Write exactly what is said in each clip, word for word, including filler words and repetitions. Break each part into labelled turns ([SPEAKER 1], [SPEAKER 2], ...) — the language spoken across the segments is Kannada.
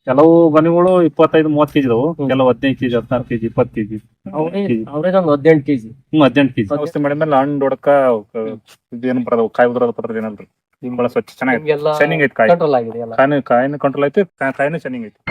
[SPEAKER 1] ಕೆಲವು ಗೊನೆಗಳು ಇಪ್ಪತ್ತೈದು ಮೂವತ್ತು ಕೆಜಿ ಇದಾವು, ಕೆಲವು ಹದಿನೈದು ಕೆಜಿ ಹದಿನಾರು ಕೆಜಿ ಇಪ್ಪತ್ತು ಕೆಜಿ
[SPEAKER 2] ಅವ್ರೇಜ್ ಒಂದು ಹದಿನೆಂಟು ಕೆಜಿ
[SPEAKER 1] ಹ್ಮ್ ಹದಿನೆಂಟು ಕೆಜಿ ಔಷಧಿ ಮಾಡಿದ್ಮೇಲೆ ಹಣ್ಣು ಹೊಡಕ ಇದೇನು ಬರೋದು ಕಾಯಿ ಉದ್ರದ ಪತ್ರ ಏನಲ್ರಿ ಬಹಳ ಸ್ವಚ್ಛ ಚೆನ್ನಾಗಿ ಶೈನಿಂಗ್ ಐತಿ ಕಾಯಿ
[SPEAKER 2] ಕಂಟ್ರೋಲ್ ಆಗಿದೆ ಎಲ್ಲ.
[SPEAKER 1] ಕಾಯಿನ ಕಾಯಿನ ಕಂಟ್ರೋಲ್ ಐತಿ ಕಾಯಿನ ಶೈನಿಂಗ್ ಐತಿ.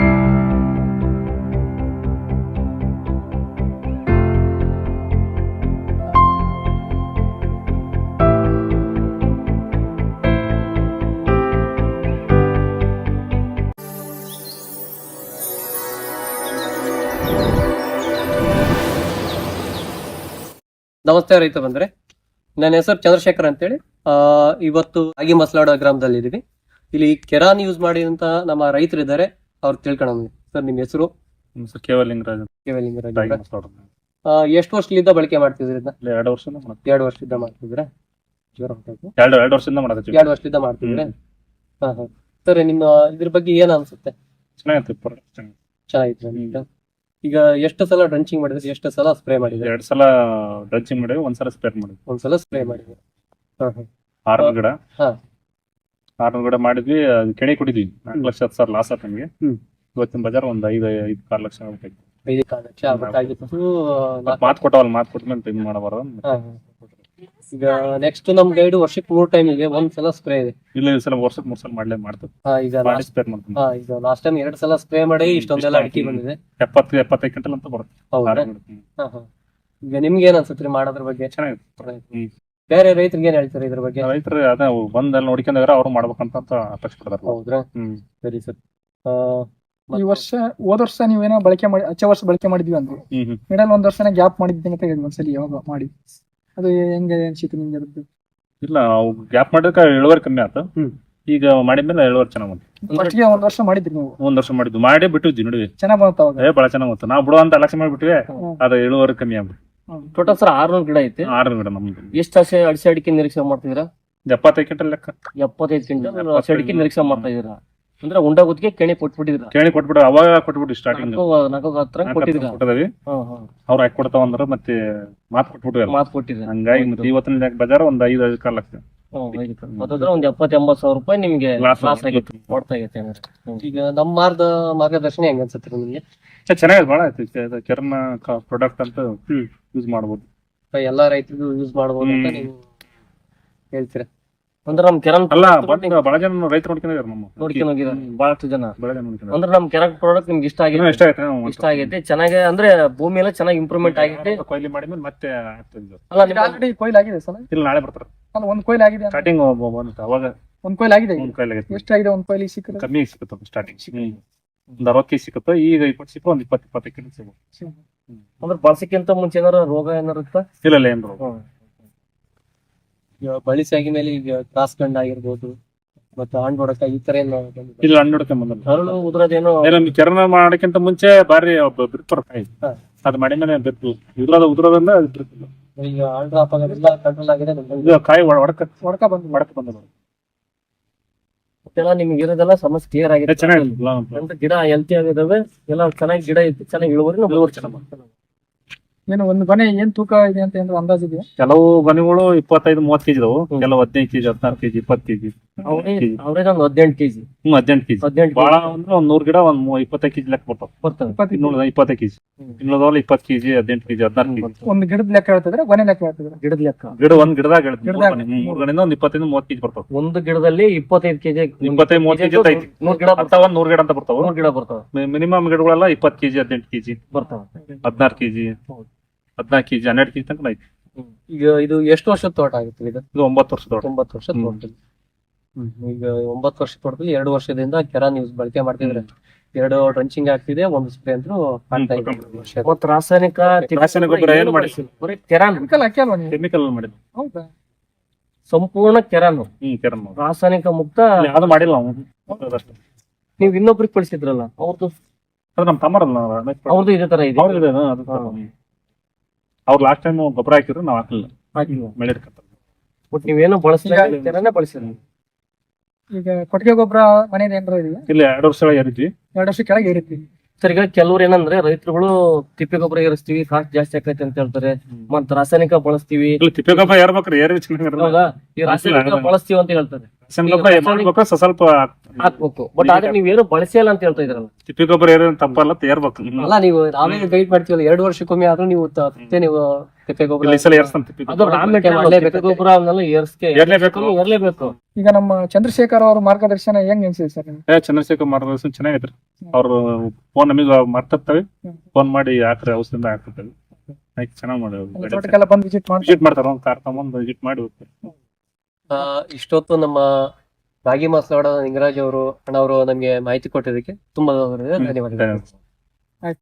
[SPEAKER 2] ನಮಸ್ತೆ ರೈತ ಬಂದ್ರೆ, ನನ್ನ ಹೆಸರು ಚಂದ್ರಶೇಖರ್ ಅಂತೇಳಿ. ಆ ಇವತ್ತು ಆಗಿ ಮಸಲಾಡ ಗ್ರಾಮದಲ್ಲಿ ಇದೀವಿ. ಇಲ್ಲಿ ಕೆರಾನ್ ಯೂಸ್ ಮಾಡಿದಂತ ನಮ್ಮ ರೈತರು ಇದ್ದಾರೆ, ಅವ್ರು ತಿಳ್ಕೊಳ್ಳೋಣ. ಸರ್ ನಿಮ್ ಹೆಸರು?
[SPEAKER 1] ಕೇವಲ ಲಿಂಗರಾಜ್.
[SPEAKER 2] ಕೇವಲ ಲಿಂಗರಾಜ್. ಎಷ್ಟು ವರ್ಷದಿಂದ ಬಳಕೆ ಮಾಡ್ತಿದ್ರಿ?
[SPEAKER 1] ಎರಡು ವರ್ಷದಿಂದ
[SPEAKER 2] ಎರಡು ವರ್ಷದಿಂದ ಮಾಡ್ತಿದ್ರ?
[SPEAKER 1] ಎರಡು ಎರಡು ವರ್ಷದಿಂದ ಮಾಡೋದು.
[SPEAKER 2] ಎರಡು ವರ್ಷದಿಂದ ಮಾಡ್ತಿದ್ರೆ. ಹಾ ಹಾ ಸರ್, ನಿಮ್ಮ ಇದ್ರ ಬಗ್ಗೆ ಏನ್ ಅನ್ಸುತ್ತೆ?
[SPEAKER 1] ಚೆನ್ನಾಗಿತ್ತು,
[SPEAKER 2] ಚೆನ್ನಾಗಿತ್ತು. ಈಗ ಎಷ್ಟು ಸಲ ಡ್ರಂಚಿಂಗ್ ಮಾಡಿದ್ರಿ, ಎಷ್ಟು ಸಲ ಸ್ಪ್ರೇ ಮಾಡಿದ್ರಿ?
[SPEAKER 1] ಎರಡ್ ಸಲ ಡ್ರಂಚಿಂಗ್ ಮಾಡಿದ್ವಿ, ಒಂದ್ಸಲ ಸ್ಪ್ರೇ ಮಾಡಿದ್ವಿ.
[SPEAKER 2] ಒಂದ್ಸಲ ಸ್ಪ್ರೇ ಮಾಡಿದ್ವಿ.
[SPEAKER 1] ಆರ್ನೂರು ಗಿಡ
[SPEAKER 2] ಹಾ
[SPEAKER 1] ಆರ್ನೂರು ಗಿಡ ಮಾಡಿದ್ವಿ. ಅದು ಕೆಣಿ ಕೊಟ್ಟಿದ್ವಿ. ನಾಲ್ಕು ಲಕ್ಷ ಹತ್ತು ಸಾವಿರ ಲಾಸ್ ಆಯ್ತು ನಮಗೆ. ಇವತ್ತಿನ ಬಜಾರ್ ಒಂದ್ ಐದು ಐದು ಆರು ಲಕ್ಷ ಆಗ್ಬೇಕಾಯ್ತು.
[SPEAKER 2] ಐದು ಕಾಲು ಲಕ್ಷ ಆಗ್ಬೇಕಾಗಿತ್ತು.
[SPEAKER 1] ಮಾತು ಕೊಟ್ಟವಲ್ಲ, ಮಾತು ಕೊಟ್ಮೇಲೆ ಇದು ಮಾಡಬಾರ್ದು.
[SPEAKER 2] ಈಗ ನೆಕ್ಸ್ಟ್ ನಮ್ ಗೈಡ್ ವರ್ಷಕ್ಕೆ ಮೂರ್ ಟೈಮ್ ಇದೆ, ಒಂದ್ ಸಲ ಸ್ಪ್ರೇ ಇದೆ.
[SPEAKER 1] ಇಲ್ಲ ಈ ಸಲ ವರ್ಷಕ್ಕೆ ಮೂರ್ ಸಲ ಮಾಡ್ಲೇ ಮಾಡ್ತೇವೆ.
[SPEAKER 2] ಈಗ ಲಾಸ್ಟ್ ಟೈಮ್ ಎರಡ್ ಸಲ ಸ್ಪ್ರೇ ಮಾಡಿ ಇಷ್ಟೊಂದೆಲ್ಲ ಅಡಿಕೆ ಬಂದಿದೆ.
[SPEAKER 1] ಎಪ್ಪತ್ತು ಎಪ್ಪತ್ತೈದು ಕ್ವಿಂಟಲ್ ಅಂತ ಬರುತ್ತೆ.
[SPEAKER 2] ಈಗ ನಿಮ್ಗೆ ಏನ್ ಅನ್ಸುತ್ತೆ ಮಾಡೋದ್ರ ಬಗ್ಗೆ?
[SPEAKER 1] ಚೆನ್ನಾಗಿತ್ತು.
[SPEAKER 2] ಬೇರೆ ರೈತರಿಗೆ ಏನ್ ಹೇಳ್ತಾರೆ ಇದ್ರ ಬಗ್ಗೆ?
[SPEAKER 1] ರೈತರು ಅದೇ ಬಂದಲ್ಲಿ ನೋಡ್ಕೊಂಡ್ರೆ ಅವ್ರು ಮಾಡ್ಬೇಕಂತ ಅಪೇಕ್ಷೆ ಪಡ್ತಾರೆ.
[SPEAKER 2] ಹೌದ್ರಾ? ಸರಿ ಸರ್.
[SPEAKER 3] ಈ ವರ್ಷ ಹೋದ ವರ್ಷ ನೀವೇನೋ ಬಳಕೆ ಮಾಡಿ ಹಚ್ಚ ವರ್ಷ ಬಳಕೆ ಮಾಡಿದ್ವಿ ಅಂದ್ರೆ ಮಿಡಲ್ ಒಂದ್ ವರ್ಷನ ಗ್ಯಾಪ್ ಮಾಡಿದ್ದೀನಿ ಅಂತ ಹೇಳಿದ್ವಿ ಒಂದ್ಸಲಿ. ಯಾವಾಗ ಮಾಡಿ ಅದು ಹೆಂಗೆ ಅನ್ಸಿತ್ತು ನಿಮ್ಗೆ? ಅದಕ್ಕೆ
[SPEAKER 1] ಇಲ್ಲ, ಗ್ಯಾಪ್ ಮಾಡಿದ್ರೆ ಇಳುವರಿ ಕಮ್ಮಿ ಆಯ್ತು. ಈಗ ಮಾಡಿದ್ಮೇಲೆ ಇಳುವರಿ ಚೆನ್ನಾಗ್ ಬಂತು.
[SPEAKER 3] ಫಸ್ಟ್ ಗೆ ಒಂದ್ ವರ್ಷ ಮಾಡಿದ್ರಿ ನೀವು?
[SPEAKER 1] ಒಂದ್ ವರ್ಷ ಮಾಡಿದ್ವಿ, ಮಾಡಿ ಬಿಟ್ಟಿದ್ವಿ ನೋಡಿ.
[SPEAKER 3] ಚೆನ್ನಾಗ್ ಬಂತ ಅವಾಗ?
[SPEAKER 1] ಏ ಬಹಳ ಚೆನ್ನಾಗ್ ಬಂತು. ನಾವು ಬಿಡುವ ಅಂತ ಲಕ್ಷ ಮಾಡಿಬಿಟ್ವಿ, ಅದು ಇಳುವರಿ ಕಮ್ಮಿ ಆಗ್ಬಿಟ್ಟು.
[SPEAKER 2] ಟೋಟಲ್ ಸರ್ ಆರ್ನೂರು ಗಿಡ ಐತಿ.
[SPEAKER 1] ಆರ್ನೂರು ಗಿಡ ನಮ್ದು.
[SPEAKER 2] ಎಷ್ಟು ಹಸಿ ಅಡಿಕೆ ಅಡಿಕೆ ನಿರೀಕ್ಷೆ ಮಾಡ್ತಿದ್ದೀರಾ?
[SPEAKER 1] ಎಪ್ಪತ್ತೈದು ಕ್ವಿಂಟಲ್ ಲೆಕ್ಕ.
[SPEAKER 2] ಎಪ್ಪತ್ತೈದು ಕ್ವಿಂಟಲ್ ಹಸಿ ಅಡಿಕೆ ನಿರೀಕ್ಷೆ ಮಾಡ್ತಾ ಇದೀರಾ ಅಂದ್ರೆ ಉಂಡ ಗುತ್ತಿಗೆ ಕೆಣಿ ಕೊಟ್ಬಿಟ್ಟಿದ್ರ?
[SPEAKER 1] ಕೆಣಿ ಕೊಟ್ಬಿಟ್ಟು ಅವಾಗ ಕೊಟ್ಬಿಟ್ಟು ಸ್ಟಾರ್ಟಿಂಗ್
[SPEAKER 2] ನಾಲ್ಕು ಹತ್ರ ಕೊಟ್ಟಿದ್ರ?
[SPEAKER 1] ಕೊಟ್ಟದವಿ. ಅವ್ರು ಹಾಕಿ ಕೊಡ್ತಾವ ಅಂದ್ರ ಮತ್ತೆ ಮಾತು ಕೊಟ್ಬಿಟ್ಟು
[SPEAKER 2] ಮಾತು ಕೊಟ್ಟಿದ್ರ.
[SPEAKER 1] ಹಂಗಾಗಿ ಮತ್ತೆ ಇವತ್ತಿನ ಬಜಾರ್ ಒಂದ್ ಐದು ಐದು ಕಾಲ ಲಕ್ಷ.
[SPEAKER 2] ಒಂದ್ ಎಪ್ಪತ್ ಎಂಬತ್ ಸಾವಿರ ರೂಪಾಯಿ ನಿಮ್ಗೆ ಲಾಸ್ ಆಗೈತೆ, ಕೊಡ್ತಾ ಆಗೈತೆ. ಈಗ ನಮ್ಮ ಮಾರ್ಗ ಮಾರ್ಗದರ್ಶನ ಹೆಂಗ ಅನ್ಸತ್ರಿ ನಿಮ್ಗೆ?
[SPEAKER 1] ಚೆನ್ನಾಗಿದೆ, ಬಹಳ ಆಯ್ತು. ಕೆರನ ಪ್ರಾಡಕ್ಟ್ ಅಂತ ಯೂಸ್ ಮಾಡಬಹುದು,
[SPEAKER 2] ಎಲ್ಲಾ ರೈತರಿಗೂ ಯೂಸ್ ಮಾಡಬಹುದು ಅಂತ ನೀವು ಹೇಳ್ತೀರಾ? ಅಂದ್ರೆ ನಮ್ ಕೆರನ್
[SPEAKER 1] ಅಲ್ಲ ಬಹಳ ಜನ ರೈತರು ನೋಡ್ಕೊಂಡಿದ್ದಾರೆ, ನಮ್ಮ
[SPEAKER 2] ನೋಡ್ಕೊಂಡು ಹೋಗಿದ್ದಾರೆ ಬಹಳಷ್ಟು ಜನ.
[SPEAKER 1] ಬಹಳ ಜನ ನೋಡ್ಕೊಂಡಿದ್ದಾರೆ.
[SPEAKER 2] ಅಂದ್ರೆ ನಮ್ ಕೆರನ್ ಪ್ರಾಡಕ್ಟ್ ನಿಮ್ಗೆ ಇಷ್ಟ ಆಗಿದೆ?
[SPEAKER 1] ಇಷ್ಟ ಆಯ್ತು,
[SPEAKER 2] ಇಷ್ಟ ಆಗೈತೆ. ಚೆನ್ನಾಗಿ ಅಂದ್ರೆ ಭೂಮಿ ಎಲ್ಲ ಚೆನ್ನಾಗಿ ಇಂಪ್ರೂವ್ಮೆಂಟ್ ಆಗಿದೆ.
[SPEAKER 1] ಕೊಯ್ಲಿ ಮಾಡಿದ್ಮೇಲೆ ಮತ್ತೆ
[SPEAKER 3] ಅಲ್ಲ ಆಲ್ರೆಡಿ ಕೊಯ್ಲು ಆಗಿದೆ ಸಲ?
[SPEAKER 1] ಇಲ್ಲ, ನಾಳೆ ಬರ್ತಾರೆ.
[SPEAKER 3] ಅಲ್ಲ ಒಂದ್ ಕೊಯ್ಲು ಆಗಿದೆ
[SPEAKER 1] ಸ್ಟಾರ್ಟಿಂಗ್ ಅವಾಗ
[SPEAKER 3] ಒಂದ್ ಕೊಯ್ಲು ಆಗಿದೆ.
[SPEAKER 1] ಒಂದ್ ಕೊಯ್ಲು ಆಗಿದೆ.
[SPEAKER 3] ಎಷ್ಟಾಗಿದೆ ಒಂದ್ ಕೊಯ್ಲಿ? ಸಿಕ್ಕ
[SPEAKER 1] ಕಮ್ಮಿ ಸಿಕ್ಕುತ್ತೆ ಸ್ಟಾರ್ಟಿಂಗ್. ಒಂದ್ ಅರವತ್ತು ಕೆಜಿ ಸಿಕ್ಕುತ್ತೆ. ಈಗ ಇಪ್ಪತ್ತು ಸಿಕ್ಕ ಒಂದ್ ಇಪ್ಪತ್ತು ಇಪ್ಪತ್ತೈದು ಕೆಜಿ ಸಿಗುತ್ತೆ.
[SPEAKER 2] ಅಂದ್ರೆ ಬಳಸಕ್ಕಿಂತ ಮುಂಚೆ ಏನಾರ ರೋಗ ಏನಾರ ಇತ್ತ?
[SPEAKER 1] ಇಲ್ಲ ಇಲ್ಲ, ಏನ್ ರೋಗ
[SPEAKER 2] ಬಳಸಿ ಆಗಿದ್ಮೇಲೆ ಈಗ ಕ್ರಾಸ್ ಗಂಡ ಆಗಿರ್ಬೋದು, ಮತ್ತೆ ಹಣ್ಣು ಹೊಡಕ ಈ ತರ ಏನು?
[SPEAKER 1] ಇಲ್ಲ, ಹಣ್ಣು ಹೊಡಕ ಬಂದ
[SPEAKER 2] ಹರಳು ಉದ್ರದೇನೋ
[SPEAKER 1] ಕೆರನ ಮಾಡಕ್ಕಿಂತ ಮುಂಚೆ ಬಾರಿ ಬಿರ್ತಾರ ಕಾಯಿ. ಅದ್ ಮಾಡಿದ್ಮೇಲೆ ಬಿರ್ತು ಉದ್ರದ ಉದ್ರದಿಂದ ಬಿರ್ತಿಲ್ಲ.
[SPEAKER 2] ಈಗ ಹಣ್ಣು ಡ್ರಾಪ್ ಆಗೋದಿಲ್ಲ, ಕಂಟ್ರೋಲ್ ಆಗಿದೆ.
[SPEAKER 1] ಕಾಯಿ ಒಡಕ
[SPEAKER 3] ಒಡಕ ಬಂದು
[SPEAKER 1] ಒಡಕ ಬಂದ
[SPEAKER 2] ಮತ್ತೆಲ್ಲ ನಿಮ್ಗೆ ಇರೋದೆಲ್ಲ ಸಮಸ್ಯೆ ಕ್ಲಿಯರ್ ಆಗಿದೆ.
[SPEAKER 1] ಚೆನ್ನಾಗಿ
[SPEAKER 2] ಗಿಡ ಹೆಲ್ತಿ ಆಗಿದಾವೆ, ಎಲ್ಲ ಚೆನ್ನಾಗಿ ಗಿಡ ಐತಿ, ಚೆನ್ನಾಗಿ ಇಳುವರಿ ಇಳುವರಿ ಚೆನ್ನಾಗಿ.
[SPEAKER 3] ಏನು ಒಂದ್ ಗೊನೆ ಏನ್ ತೂಕ ಇದೆ ಅಂತ ಏನಾದ್ರು ಅಂದಾಜ್ ಇದೆಯಾ?
[SPEAKER 1] ಕೆಲವು ಗೊನೆಗಳು ಇಪ್ಪತ್ತೈದು ಮೂವತ್ತು ಕೆಜಿ ಇದಾವು, ಕೆಲವು ಹದಿನೈದು ಕೆಜಿ ಹದಿನಾರು ಕೆಜಿ ಇಪ್ಪತ್ತು ಕೆಜಿ
[SPEAKER 2] ಅವ್ರೇಜ್ ಒಂದು ಹದಿನೆಂಟು ಕೆಜಿ.
[SPEAKER 1] ಹ್ಮ್ ಹದಿನೆಂಟು ಕೆಜಿ.
[SPEAKER 2] ಹದಿನೆಂಟು
[SPEAKER 1] ಬಾಳ ಅಂದ್ರೆ ಒಂದ್ ನೂರ್ ಗಿಡ ಒಂದ್ ಇಪ್ಪತ್ತೈದು ಕೆಜಿ ಲೆಕ್ಕ ಬರ್ತಾವ.
[SPEAKER 2] ಬರ್ತವೆ
[SPEAKER 1] ಇನ್ನೂರ ಇಪ್ಪತ್ತೈದು ಕೆಜಿ. ಇನ್ನೂರದವಲ್ಲ ಇಪ್ಪತ್ತು ಕೆಜಿ ಹದಿನೆಂಟು ಕೆಜಿ ಹದಿನಾರು ಕೆಜಿ.
[SPEAKER 3] ಒಂದ್ ಗಿಡದ ಲೆಕ್ಕ ಹೇಳ್ತಿದ್ರೆ ಗೊನೆ ಲೆಕ್ಕ ಹೇಳ್ತಿದ್ರೆ?
[SPEAKER 2] ಗಿಡದ ಲೆಕ್ಕ.
[SPEAKER 1] ಗಿಡ ಒಂದ್ ಗಿಡದಾಗ ಮೂರ್ ಗಣಿಂದ ಒಂದ್ ಇಪ್ಪತ್ತೈದು ಮೂವತ್ತು ಕೆಜಿ ಬರ್ತಾವ.
[SPEAKER 2] ಒಂದು ಗಿಡದಲ್ಲಿ ಇಪ್ಪತ್ತೈದು ಕೆಜಿ
[SPEAKER 1] ಇಪ್ಪತ್ತೈದು ಮೂವತ್ತು ಕೆಜಿ ಐತಿ.
[SPEAKER 2] ನೂರ್ ಗಿಡ
[SPEAKER 1] ಬರ್ತಾವ, ನೂರ್ ಗಿಡ ಅಂತ ಬರ್ತಾವ.
[SPEAKER 2] ನೂರ್ ಗಿಡ ಬರ್ತಾವ.
[SPEAKER 1] ಮಿನಿಮಮ್ ಗಿಡಗಳೆಲ್ಲ ಇಪ್ಪತ್ತು ಕೆಜಿ ಹದಿನೆಂಟು ಕೆಜಿ
[SPEAKER 2] ಬರ್ತಾವ.
[SPEAKER 1] ಹದಿನಾರು ಕೆಜಿ ಹದಿನಾಲ್ಕು ಕೆಜಿ ಹನ್ನೆರಡು ಕೆಜಿ ತನಕ ಐತಿ.
[SPEAKER 2] ಈಗ ಇದು ಎಷ್ಟು ವರ್ಷದ ತೋಟ ಆಗುತ್ತೆ? ಇದು
[SPEAKER 1] ಇದು ಒಂಬತ್ತು ವರ್ಷದ ತೋಟ.
[SPEAKER 2] ಒಂಬತ್ತು ವರ್ಷದ ತೋಟ. ಈಗ ಒಂಬತ್ತು ವರ್ಷದ ತೋಟದಲ್ಲಿ ಎರಡು ವರ್ಷದಿಂದ ಕೆರಾನ್ ಯೂಸ್ ಬಳಕೆ ಮಾಡ್ತಿದ್ರೆ, ಎರಡು ಡ್ರಂಚಿಂಗ್ ಆಗ್ತಿದೆ, ಒಂದು ಸ್ಪ್ರೇ ಅಂತೂ ಆಗ್ತಾ ಇದೆ. ಮತ್ತೆ ರಾಸಾಯನಿಕ
[SPEAKER 1] ರಾಸಾಯನಿಕ ಗೊಬ್ಬರ ಏನು ಮಾಡಿಸಿಲ್ಲ,
[SPEAKER 2] ಬರೀ ಕೆರಾನ್
[SPEAKER 3] ಕೆಮಿಕಲ್ ಹಾಕಿ ಅಲ್ವಾ ನೀವು?
[SPEAKER 1] ಕೆಮಿಕಲ್ ಮಾಡಿದ್ವಿ.
[SPEAKER 3] ಹೌದಾ?
[SPEAKER 2] ಸಂಪೂರ್ಣ ಕೆರಾನ್.
[SPEAKER 1] ಹ್ಮ್ ಕೆರನ್
[SPEAKER 2] ರಾಸಾಯನಿಕ ಮುಕ್ತ
[SPEAKER 1] ಯಾವ್ದು ಮಾಡಿಲ್ಲ ನಾವು.
[SPEAKER 2] ನೀವು ಇನ್ನೊಬ್ರಿಗೆ ಕಳಿಸಿದ್ರಲ್ಲ, ಅವ್ರದ್ದು
[SPEAKER 1] ಅದು ನಮ್ ತಮ್ಮರಲ್ಲ,
[SPEAKER 2] ಅವ್ರದ್ದು ಇದೇ ತರ ಇದೆ.
[SPEAKER 1] ಅವ್ರು ಲಾಸ್ಟ್ ಟೈಮ್ ಗೊಬ್ಬರ ಹಾಕಿದ್ರು, ನಾವ್ ಹಾಕಲಿಲ್ಲ. ಹಾಕಿಲ್ಲ ಮಳೆ
[SPEAKER 2] ಬಟ್ ನೀವೇನು ಬಳಸಿಲ್ಲ, ಕೆರಾನೇ ಬಳಸಿಲ್ಲ.
[SPEAKER 3] ಈಗ ಕೊಟ್ಟಿಗೆ ಗೊಬ್ಬರ ಮನೇಲಿ ಏನಾರ ಇದೆಯಾ?
[SPEAKER 1] ಇಲ್ಲ, ಎರಡು ವರ್ಷ ಏರಿದ್ವಿ.
[SPEAKER 3] ಎರಡು ವರ್ಷ ಕೆಳಗೆ ಏರಿದ್ವಿ.
[SPEAKER 2] ಸರ್, ಈಗ ಕೆಲವ್ರು ಏನಂದ್ರೆ ರೈತರುಗಳು ತಿಪ್ಪೆ ಗೊಬ್ಬರ ಏರಿಸ್ತೀವಿ, ಕಾಸ್ಟ್ ಜಾಸ್ತಿ ಆಕೈತೆ ಅಂತ ಹೇಳ್ತಾರೆ, ಮತ್ ರಾಸಾಯನಿಕ ಬಳಸ್ತೀವಿ.
[SPEAKER 1] ತಿಪ್ಪೆ ಗೊಬ್ಬರ ಏರ್ಬೇಕ್ರಿ, ಏರಿ ಚೆನ್ನಾಗಿ
[SPEAKER 2] ಈ ರಾಸಾಯನಿಕ ಬಳಸ್ತೀವಿ ಅಂತ ಹೇಳ್ತಾರೆ.
[SPEAKER 1] ರಾಸಾಯನಿಕ ಗೊಬ್ಬರ
[SPEAKER 4] ಈಗ
[SPEAKER 1] ಮಾಡ್ಬೇಕು ಸ- ಸ್ವಲ್ಪ
[SPEAKER 4] ಹಾಕ್ಬೇಕು ಬಟ್ ಆದ್ರೆ ನೀವೇನು ಬಳಸಿಲ್ಲ ಅಂತ ಹೇಳ್ತಾ ಇದ್ರಲ್ಲ.
[SPEAKER 1] ತಿಪ್ಪಿ ಗೊಬ್ಬರ ಏನೇನು ತಪ್ಪಲ್ಲ ತೇರ್ಬೇಕು.
[SPEAKER 2] ಅಲ್ಲ ನೀವು ನಾವೇ ಗೈಡ್ ಮಾಡ್ತೀವಲ್ಲ ಎರಡು ವರ್ಷಕ್ಕೊಮ್ಮೆ ಆದ್ರೂ ನೀವು ತ- ಮತ್ತೆ ನೀವು ತಿಪ್ಪೆ ಗೊಬ್ಬರ
[SPEAKER 1] ಇಲ್ಲಿ ಈ ಸಲ ಏರ್ಸ್ತಾನೆ ತಿಪ್ಪಿ
[SPEAKER 4] ಅದು
[SPEAKER 1] ಗೊಬ್ಬರ.
[SPEAKER 4] ರಾ ಮೆಟೀರಿಯಲ್
[SPEAKER 2] ಮಾಡ್ಲೇಬೇಕು.
[SPEAKER 4] ಗೊಬ್ಬರ ಅವನ್ನೆಲ್ಲ ಏರ್ಸ್ಕೆ
[SPEAKER 1] ಏರ್ಲೇಬೇಕು.
[SPEAKER 4] ಏರ್ಲೇಬೇಕು.
[SPEAKER 3] ಈಗ ನಮ್ಮ ಚಂದ್ರಶೇಖರ್ ಅವ್ರ ಮಾರ್ಗದರ್ಶನ ಹೆಂಗ್ ಅನ್ಸಿದೆ ಸರ್ ನಿಮ್ಗೆ?
[SPEAKER 1] ಏ ಚಂದ್ರಶೇಖರ್ ಮಾರ್ಗದರ್ಶನ ಚೆನ್ನಾಗೈತ್ರಿ. ಅವ್ರು ಫೋನ್ ನಮಗೆ ಮಾಡ್ತಿರ್ತಾವೆ,
[SPEAKER 3] ಹ್ಮ್.
[SPEAKER 1] ಫೋನ್ ಮಾಡಿ ಹಾಕ್ರಿ ಔಷಧಿಯಿಂದ ಹಾಕ್ತಿರ್ತಾವೆ. ಆಯ್ತು ಚೆನ್ನಾಗಿ ಮಾಡಿ
[SPEAKER 3] ಎಲ್ಲ ತೋಟಕ್ಕೆಲ್ಲ ಬಂದು ವಿಸಿಟ್ ಮಾಡಿ
[SPEAKER 1] ವಿಸಿಟ್ ಮಾಡ್ತಾರ, ಒಂದ್ ಕಾರ್ ತಗೊಂಡ್ ವಿಸಿಟ್ ಮಾಡಿ ಹೋಗ್ತಾರೆ.
[SPEAKER 2] ಆ, ಇಷ್ಟೊತ್ತು ನಮ್ಮ ರಾಗಿ ಮಾಸ್ಲಾಡ ನಿಂಗರಾಜ್ ಅವರು ಅಣ್ಣ ಅವರು ನಮಗೆ ಮಾಹಿತಿ ಕೊಟ್ಟಿದ್ದಕ್ಕೆ ತುಂಬಾ ಧನ್ಯವಾದಗಳು.